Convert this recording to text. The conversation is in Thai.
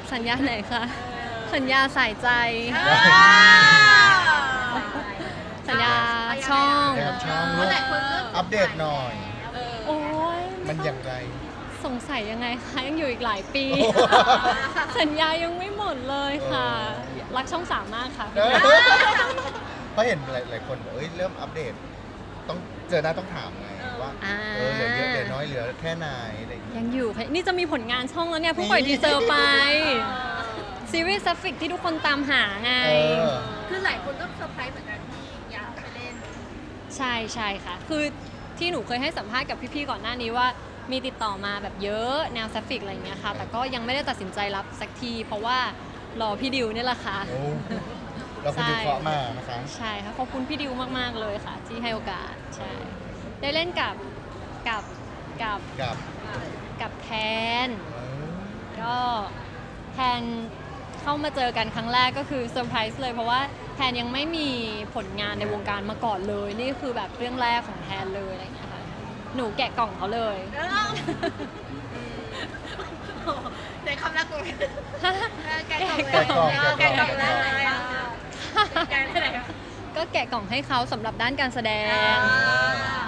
สัญญาไหนคะสัญญาสายใจ สัญญาช่องนะครับช่องลูกอัปเดตหน่อยโอ้ยมันอย่างไรสงสัยยังไงคะยังอยู่อีกหลายปี สัญญายังไม่หมดเลยค่ะ รักช่องสามมากค่ะเพราะเห็นหลายคนบอกเริ่มอัปเดต ต้องเจอหน้าต้องถามไงว่าเหลือเยอะเหลือน้อยเหลือแค่ไหนอะไรอย่างเงี้ยยังอยู่ค่ะนี่จะมีผลงานช่องแล้วเนี่ยเพิ่งปล่อยทีเซอร์ไป ซีรีส์ซัฟฟิกที่ทุกคนตามหาไงคือหลายคนก็เซอร์ไพรส์เหมือนกันที่อยากไปเล่นใช่ใช่ค่ะ คือที่หนูเคยให้สัมภาษณ์กับพี่ๆก่อนหน้านี้ว่ามีติดต่อมาแบบเยอะแนวซัฟฟิกอะไรอย่างเงี้ยค่ะ แต่ก็ยังไม่ได้ตัดสินใจรับสักที เพราะว่ารอพี่ดิวนี่แหละค่ะโอ้เราคุณดูเคราะห์มานะคะใช่ค่ะขอบคุณพี่ดิวมากๆเลยค่ะ ที่ให้โอกาสใช่ได้เล่นกับกับกับกับกับแทน ก็แทนเข้ามาเจอกันครั้งแรกก็คือเซอร์ไพรส์เลยเพราะว่าแทนยังไม่มีผลงานในวงการมาก่อนเลย นี่คือแบบเรื่องแรกของแทนเลยอะไรอย่างเงี้ยค่ะหนูแกะกล่องเขาเลยในคำรักตัวแกะกล่องแกะกล่องแกะกล่องแล้วแกะได้ไหนก็แกะกล่องให้เขาสำหรับด้านการแสดง